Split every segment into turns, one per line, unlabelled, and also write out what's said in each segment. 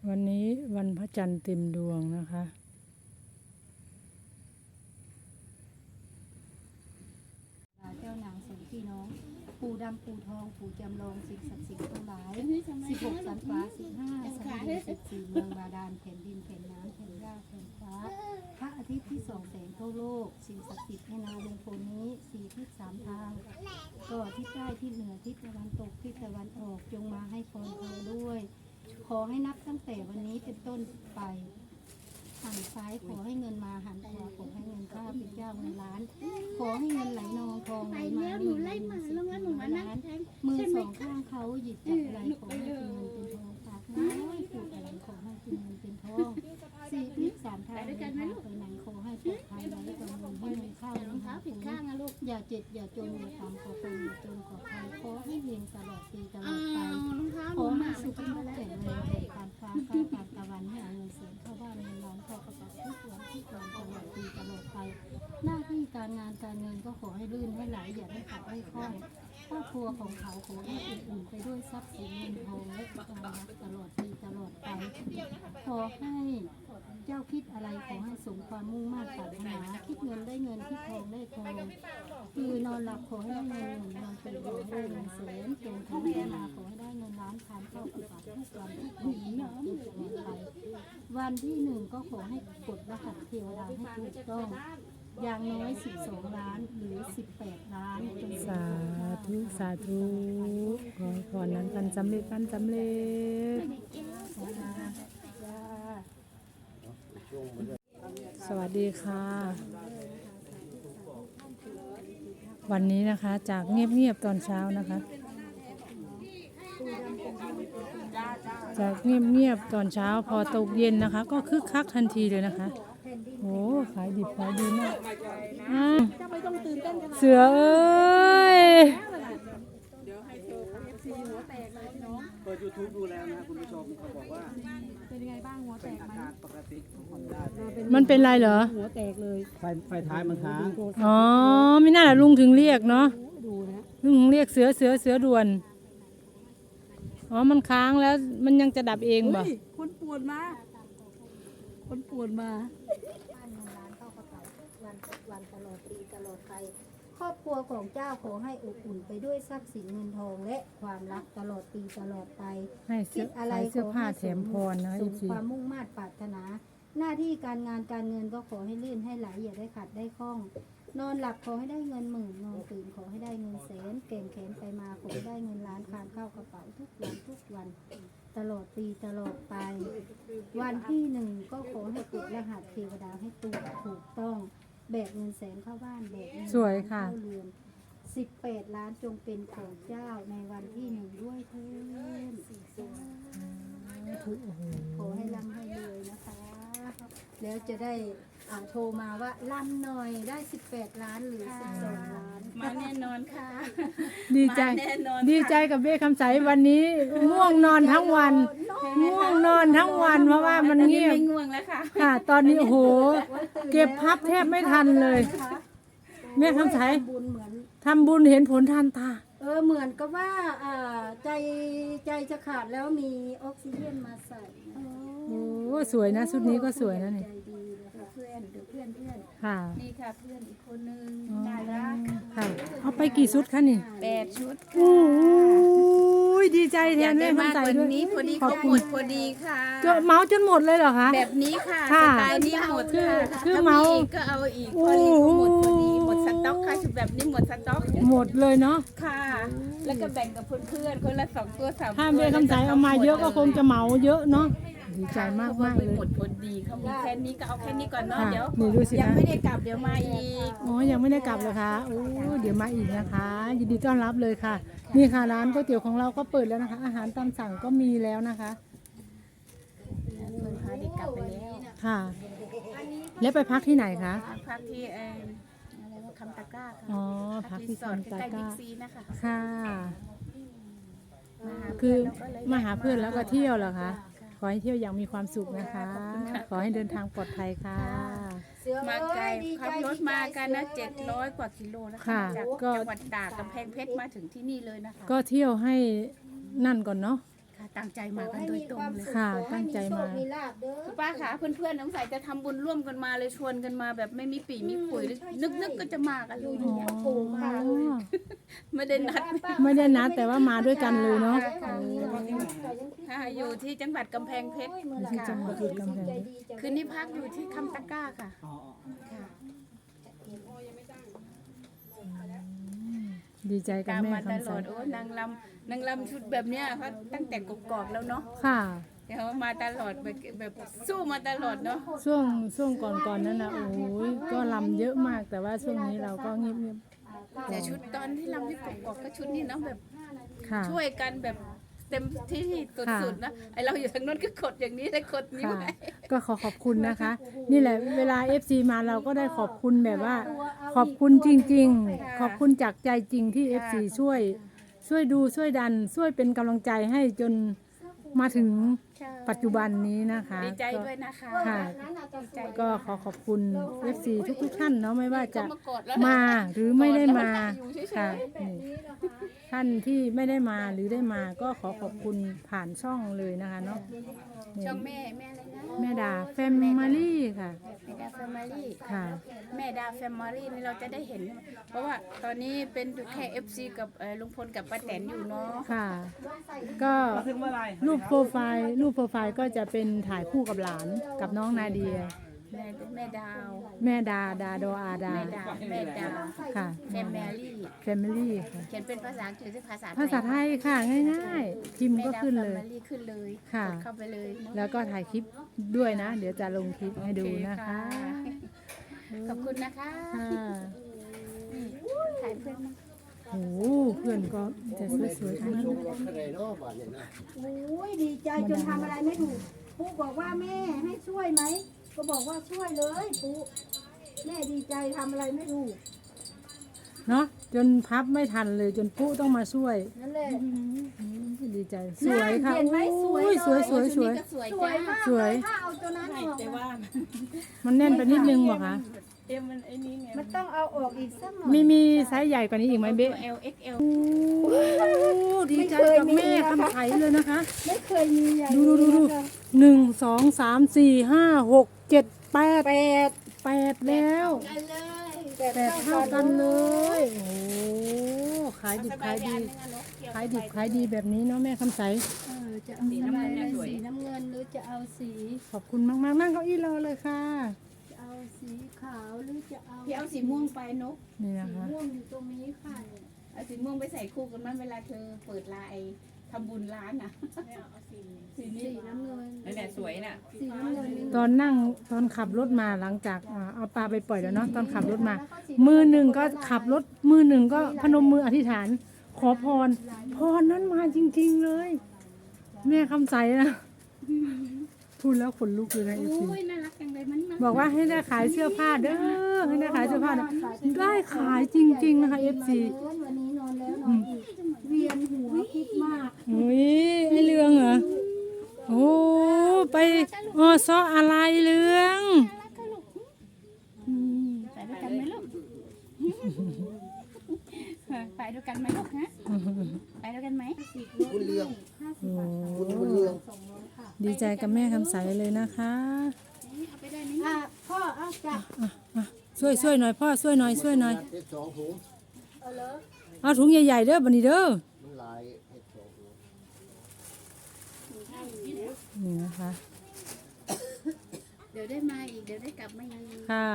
วันนี้วันพระจันทร์เต็มดวงนะคะ
เจ้านางสองพี่น้องปู่ดำปู่ทองปู่จำลองสิ่งศักดิ์สิทธิ์ทั้งหลาย16 สันฟ้า15 สันดิน14 เมืองบาดาลแผ่นดินแผ่นน้ำแผ่นหญ้าแผ่นฟ้าพระอาทิตย์ที่ส่องแสงทั่วโลกสิ่งศักดิ์สิทธิ์ในนาลุงพลนี้4 ทิศ 3 ทางก็ทิศใต้ทิศเหนือทิศตะวันตกทิศตะวันออกจงมาให้พรเราด้วยขอให้นับตั้งแต่วันนี้เป็นต้นไปหันซ้ายขอให้เงินมาหันขวาขอให้เงินเข้าเป็นเจ้าเงินล้านขอให้เงินไหลนองทองไหลมาหนึ่งล้านมือสองข้างเขาหยิบจับอะไรขอให้เป็นเงินเป็นทองปากน้อยพูดอะไรขอให้เป็นเงินเป็นทอง4 ทิศ 3 ทางไปไหนขอให้ปลอดภัยไร้กังวลให้เงินเข้าเงินหาผิดข้างนะลูกอย่าเจ็บอย่าจนอย่าตามขอคนอย่าจนขอใครขอให้เรียนตลอดปีตลอดไปขอให้สุขภาพแข็งแรงแข็งการฟ้าก้าวการตะวันให้เอาเงินเสียเข้าบ้านเงินล้านเข้ากระเป๋าทุกวันตลอดปีตลอดไปหน้าที่การงานการเงินก็ขอให้ลื่นให้ไหลอย่าได้ขัดให้คล่องครอบครัวของเขาขอให้อุ่นไปด้วยทรัพย์สินเงินทองและความรักตลอดปีตลอดไปขอให้เจ้าคิดอะไรขอให้สมความมุ่งมั่นปรารถนาคิดเงินได้เงินคิดทองได้ทองคือนอนหลับขอให้ได้เงินนอนตื่นขอให้ได้เงินแสนเก่งทั้งเวลาขอให้ได้เงินล้านทานเข้ากระเป๋าทุกวันทุกวันไปวันที่1ก็ขอให้กดรหัสเทวดาให้ถูกต้องอย่างน้อย12 ล้านหรือ18 ล้านจน
สาธุสาธุขอพรนั้นกันสำเร็จกันสำเร็จสวัสดีค่ะวันนี้นะคะจากเงียบๆตอนเช้านะคะจากเงียบๆตอนเช้าพอตกเย็นนะคะก็คึกคักทันทีเลยนะคะโอ้ขายดิบขายดีมากเสือเอ้ย
เปิด YouTube ดูแล้วนะคุณผู้ชมเขาบอกว่าเป็นยังไงบ้างหัวแตกไหมปกติของได้
มันเป็นไรเหรอ
หัวแตกเลย
ไฟท้ายมันค้าง
อ๋อไม่น่าล่ะลุงถึงเรียกเนาะลุงถึงเรียกเสือด่วนอ๋อมันค้างแล้วมันยังจะดับเองบ่
คนปวดมาวันตลอดปีตลอดไปครอบครัวของเจ้าขอให้อบอุ่นไปด้วยทรัพย์สินเงินทองและความรักตลอดปีตลอดไป
ให้เสื้อผ้าแถมพรนะ
สมความมุ่งมั่นปรารถนาหน้าที่การงานการเงินก็ขอให้ลื่นให้ไหลอย่าได้ขัดได้คล่องนอนหลับขอให้ได้เงินหมื่นนอนตื่นขอให้ได้เงินแสนเก่งแขนไปมาขอให้ได้เงินล้านคานเข้ากระเป๋าทุกวันตลอดปีตลอดไปวันที่1ก็ขอให้กดรหัสเทวดาให้ถูกต้องแบกเงินแสนเข้าบ้านแบกเงินเข้าเรือน18 ล้านจงเป็นของเจ้าในวันที่1ด้วยเถิดขอให้ร่ำให้รวยนะคะแล้วจะได้โทรมาว่าร่ำหน่อยได้18 ล้านหรือ12 ล้าน
มาแน่นอนค่ะ
ดีใจกับเบ้คำใสวันนี้ง่วงนอนทั้งวันเพราะว่ามันเงียบ
ไม่ง่วงแล้วค่ะ
ค่ะตอนนี้โอ้โหเก็บพับแทบไม่ทันเลยแม่คำใสทำบุญเห็นผลทันตา
เหมือนกับว่าใจจะขาดแล้วมีออกซิเจนมาใส่
โอ้สวยนะชุดนี้ก็สวยนะนี่
เพื่อน
ค่ะ
นี่ค่ะเพื่อนอีกคนนึงน่ารัก
ค่ะเอาไปกี่ชุดคะนี่
8 ชุด
โอ้ยดีใจแทนแม่คำใสด้วย
นี้พอดีก็หมดพอดีค่ะ
เมาจนหมดเลยเหรอคะ
แบบนี้ค่ะสไตล์นี้หมด
คือเมา
ก็เอาอีกพอดีก็หมดพอดีหมดสต็อกค่ะชุดแบบนี้หมดสต็อก
หมดเลยเนาะ
ค่ะแล้วก็แบ่งกับเพื่อนคนละ2 ตัว3 ตัว
ถ้าแม่คำใสเอามาเยอะก็คงจะเมาเยอะเนาะดีใจมากเลย
หมดพอดีเขามีแค่นี้ก็เอาแค่นี้ก่อนเนาะเดี๋ยว
ยัง
ไม่ได้กลับเดี๋ยวมาอีก
อ๋อยังไม่ได้กลับเลยค่ะโอ้เดี๋ยวมาอีกนะคะยินดีต้อนรับเลยค่ะนี่ค่ะร้านก๋วยเตี๋ยวของเราก็เปิดแล้วนะคะอาหารตามสั่งก็มีแล้วนะคะ
พาเด็กกลับไปแล้ว
ค่ะแล้วไปพักที่ไหนคะ
พักที่อะไรว่าคำตะกร้าค่ะ
อ๋อพักที่คำตะกร้า
นะคะ
ค่ะคือมาหาเพื่อนแล้วก็เที่ยวเหรอคะขอให้เที่ยวอย่างมีความสุขนะคะขอให้เดินทางปลอดภัยค่ะ
มาไกลขับรถมากันนะ700 กว่ากิโลนะคะจากจังหวัดตากกำแพงเพชรมาถึงที่นี่เลยนะคะ
ก็เที่ยวให้นั่นก่อนเนาะ
ตั้งใจมากันโดยตรงเลย
ค่ะตั้งใจมา
มีลาบเด้อ
คุณป้าคะเพื่อนๆสงสัยจะทำบุญร่วมกันมาเลยชวนกันมาแบบไม่มีปีมีขุยนึกก็จะมากันเลย
อ๋อ
ไม่ได้นัด
ไม่ได้นัดแต่ว่ามาด้วยกันเลยเนาะ
ค่ะอยู่ที่จังหวัดกำแพงเพชร
ที่จังหวัดกำแพง
คืนนี้พักอยู่ที่คำตะกร้าค่ะ
อ๋อ
ค่ะ
ดีใจกับ
ตาม
แม่
มาต
คำ
ล
ใส
อดโอ้นางลำชุดแบบเนี้ยเขาตั้งแต่กกอกแล้วเนาะ
ค่ะ
เดี๋ยวมาตลอดแบบสู้มาตลอดเนาะ
ช่วงก่อนนั้นนะโอ้ยก็ลำเยอะมากแต่ว่าช่วงนี้เราก็เงียบ
แต่ชุดตอนที่ลำที่กกอกก็ชุดนี้เนาะแบบ
ๆค่ะ
ช่วยกันแบบเต็มที่สุดๆนะไอเราอยู่ทางโน้นก็กดอย่างนี้ได้กดนิ้ว
ค่ะ
ให้
ก็ขอบคุณนะคะ นี่แหละเวลา FC มาเราก็ได้ขอบคุณแบบว่า ขอบคุณจริงๆ ขอบคุณจากใจจริงที่ FC ช่วยดูช่วยดันช่วยเป็นกำลังใจให้จนมาถึงปัจจุบันนี้นะคะ
ดีใจด้วยนะคะ
ค่ะ
ดีใจ
ก็ขอบคุณ FC ทุกท่านเนาะไม่ว่าจะ
ก็มากดแล้ว
มาหรือไม่ได้มา
อยู่เฉยๆ
ค่ะนี่ท่านที่ไม่ได้มาหรือได้มาก็ขอบคุณผ่านช่องเลยนะคะเนาะนี่
ช่องแม่อะไรนะ
แม่ดาแฟมิลี่ค่ะ
แม่ดาแฟมิลี่
ค่ะ
แม่ดาแฟมิลี่นี่เราจะได้เห็น เพราะว่าตอนนี้เป็นอยู่แค่ FC กับลุงพลกับป้าแตนอยู่เนาะ
ค่ะ ก็
มาถึงเมื่อไหร่
รูปโปรไฟล์ก็จะเป็นถ่ายคู่กับหลานกับน้องนาเดีย
แม่ดาว
แม่ดาโดอาดา
แม่ดา
ค่ะ
แฟมิลี่
แฟมิลี่ค่ะ
เขียนเป็นภาษาอังกฤษหรือภาษาไทย
ภาษาไทยค่ะง่ายๆพิมพ์ก็ขึ้นเลย
แม่ดาแฟมิลี่ขึ้นเลย
ค่ะ
กดเข้าไปเลยเนอะ
แล้วก็ถ่ายคลิปด้วยนะ เดี๋ยวจะลงคลิปให้ดูนะคะ
ขอบคุณนะคะ
ค่ะ
ถ่ายเพื่อนมา
โอ้โหเพื่อนก็จะสวยๆทั้งนั้นเลย
โอ้ยดีใจจนทำอะไรไม่ถูกปุ๊บอกว่าแม่ให้ช่วยไหมก็บอกว่าช่วยเลยปุ๊แม่ดีใจทำอะไรไม่ถูก
เนาะจนพับไม่ทันเลยจนปุ๊ต้องมาช่วย
นั่นแหละ
ดีใจสวยค่ะ
เห็นไหมสวย
โอ้ยสวย
เลย
สวยสวย
ก็สวย
สวย
จ้าม
าก
สวย
เลยถ้าเอาตัวนั้นออก
แต่ว่า
มันแน่นไปนิดนึงบอกคะ
มันไอ้นี่ไง
มันต้องเอาออกอีกสักหน่อย
มีไซส์ใหญ่กว่านี้อีกไหมเบ๊ะ
L XL
โอ้ดีใจกับแม่คำไถเลยนะคะ
ไม่เคยมีอย่าง
ดู
นี้นะคะ
หนึ่งสองสามสี่ห้าหกเจ็ดแปด
แปด
แล้ว
กันเลย
แปดเท่ากันเลยโอ้ขายดิบขายดีขายดีแบบนี้เนาะแม่คำใส
จะเอาสีน้ำเงินสีน้ำเงินหรือจะเอาสี
ขอบคุณมากๆนั่งเก้าอี้รอเลยค่ะ
จะเอาสีขาวหรือจะเอา
พี่เอาสีม่วงไปนก
นี่นะ
สี
คะ
ม่วงอยู่ตรงนี้ค่ะ
เอาสีม่วงไปใส่คู่กันมั้ยเวลาเธอเปิดไลน์ทำบุญร้านน่ะสีนี้
สีน้ำเงิน
นั่นแหละสวยน่ะ
สีน้ำเงินนี่
ตอนขับรถมาหลังจากเอาปลาไปปล่อยแล้วเนาะตอนขับรถมา มือหนึ่งก็ขับรถมือหนึ่งก็พนมมืออธิษฐาน ขอพรนั้นมาจริงๆเลย แม่คำใสนะพูดแล้วขนลุกเลยนะเอฟซี
โอ้ยน่ารักจังเลยมัน
บอกว่าให้ได้ขายเสื้อผ้าเด้อให้ได้ขายเสื้อผ้าเด้อได้ขายจริงๆนะคะเอฟซี
วันนี้นอนแล้วนอนอีกเวียนหัวคิดมาก
อุ้ยไอเรื่องเหรอโอ้ไปซออะไรเรื่อง
ไปด้วยกันไหมลูกไปด้วยกันไหมลูกฮะไปด้วยกันไหม
บุญเรือง
โอ้
บุญเรือง
ดีใจกับแม่คำใสเลยนะคะ
เอาไปได้ไหม
พ่อเอาจับ
ช่วยหน่อยพ่อช่วยหน่อย
เห็ดสองถุง
เอาถุงใหญ่ๆเด้อบันนี้เด้อ
มันหลายเห็ดสองถุง
นี่นะคะ
เดี๋ยวได้มาอีกเดี๋ยวได้กลับมาอีก
ค่ะ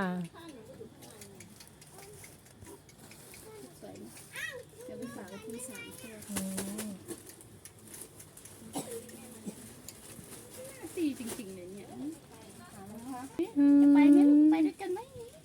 สวยนะเดี๋ยวไปฝากไว้ที่ศาลเพื่อตีจริงๆเลยเนี่ยจะไปไหมลูกไปด้วยกันไหม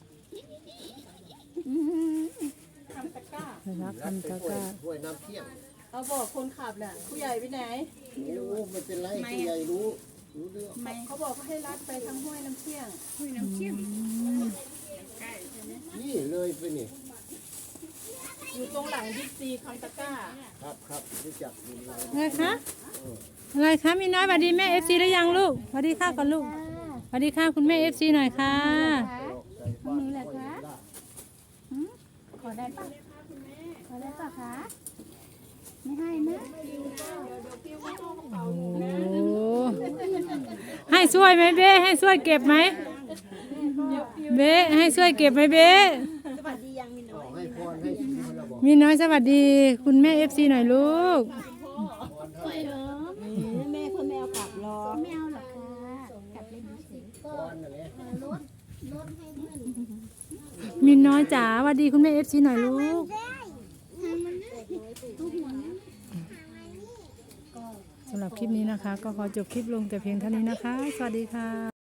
รักคำตะกร้า
ห้วยน้ำเที่ยง
เอาบอกคนขับแหละผู้ใหญ่ไปไหน
รู้ไม่เป็นไรผู้ใหญ่รู้เรื่อง
ไม่
เขาบอกว่าให้รัดไปทางห้วยน้ำเที่ยง
คุยน้ำเชี่ยมใกล้ใช่ไหม
นี่เลยไปนี่
อยู่ตรงหลังบิ๊กซีคำตะกร้า
ครับรู้จักบุญเลย
อะไรคะอะไรคะมีน้อยสวัสดีแม่เอฟซีได้ยังลูกสวัสดีค่ะก่อนลูกสวัสดีค่ะคุณแม่เอฟซีหน่อยค่ะ
ห้องนี้แหละคะขอได้ปะขอได้ปะคะไม่ให้นะ
โอ้ช่วยไหมเบ้ให้ช่วยเก็บไหมเบ้ให้ช่วยเก็บไหมเบ้
ขอให้พรให้ชีวิตเราบอก
มีน้อยสวัสดี คุณแม่ FC หน่อยลูก
แม่คนแมวกลับรอไม่เอาหรอกค่ะกลับเล่นเฉย
พรนั่นแหละ
มีน้อยจ๋าสวัสดีคุณแม่ FC หน่อยลูกสำหรับคลิปนี้นะคะ ก็ขอจบคลิปลงแต่เพียงเท่านี้นะคะ สวัสดีค่ะ